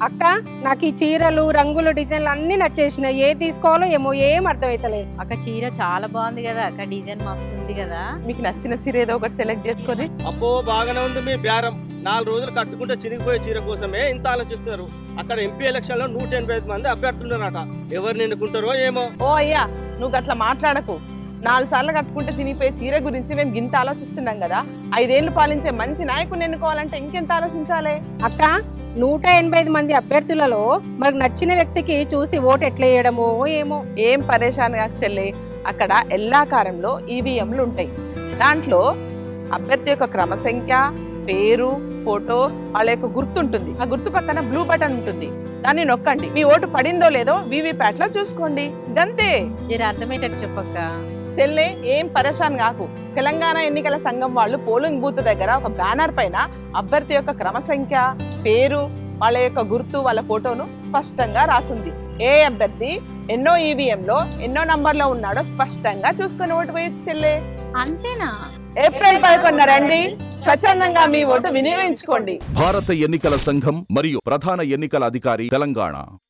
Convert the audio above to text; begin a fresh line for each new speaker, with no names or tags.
అక్క నాకు ఈ చీరలు రంగులు డిజైన్లు అన్ని నచ్చేసినాయి. ఏ తీసుకోవాలో ఏమో ఏం అర్థమైతలేదు.
అక్క చీర చాలా బాగుంది కదా అక్క, డిజైన్ మస్తు ఉంది కదా.
మీకు నచ్చిన చీర ఏదో ఒకటి సెలెక్ట్ చేసుకొని.
అప్పో బాగానే ఉంది మీ బేరం. 4 రోజులు కట్టుకుంటే చిరిగిపోయే చీర కోసమే ఇంత ఆలోచిస్తున్నారు. అక్కడ ఎంపీ ఎలక్షన్ లో 185 మంది అభ్యర్థులున్నారట. ఎవరిని ఎన్నుకుంటారో ఏమో.
ఓ అయ్యా, నువ్వు అట్లా మాట్లాడకు. 4 సార్లు కట్టుకుంటే చినిగిపోయే చీర గురించి మేము గింత ఆలోచిస్తున్నాం కదా. 5 ఏళ్లు పాలించే మంచి నాయకుని ఎన్నుకోవాలంటే ఇంకెంత ఆలోచించాలి.
అక్క 185 మంది అభ్యర్థులలో మరి నచ్చిన వ్యక్తికి చూసి ఓటు ఎట్లా వేయడమో ఏమో.
ఏం పరేషాన్ కాక చెల్లి, అక్కడ ఎల్లాకారంలో ఈవీఎంలు ఉంటాయి. దాంట్లో అభ్యర్థి యొక్క క్రమ సంఖ్య, పేరు, ఫోటో, వాళ్ళ యొక్క గుర్తుంటుంది. ఆ గుర్తు పక్కన బ్లూ బటన్ ఉంటుంది, దాన్ని నొక్కండి. మీ ఓటు పడిందో లేదో వీవీప్యాట్ లో చూసుకోండి. గంతే.
జర అర్థమయ్యేటట్టు చెప్పక్క.
చెల్లె ఏం పరేషాన్ కాకు. తెలంగాణ ఎన్నికల సంఘం వాళ్ళు పోలింగ్ బూత్ దగ్గర ఒక బ్యానర్ పైన అభ్యర్థి యొక్క క్రమ సంఖ్య, పేరు, వాళ్ళ యొక్క గుర్తు, వాళ్ళ ఫోటోను స్పష్టంగా రాసింది. ఏ అభ్యర్థి ఎన్నో ఈవీఎంలో ఎన్నో నంబర్లో ఉన్నాడో స్పష్టంగా చూసుకొని ఓటు వేయచ్చు చెల్లె.
అంతేనా?
ఏప్రిల్ 11 రండి, స్వచ్ఛందంగా మీ ఓటు వినియోగించుకోండి.
భారత ఎన్నికల సంఘం మరియు ప్రధాన ఎన్నికల అధికారి, తెలంగాణ.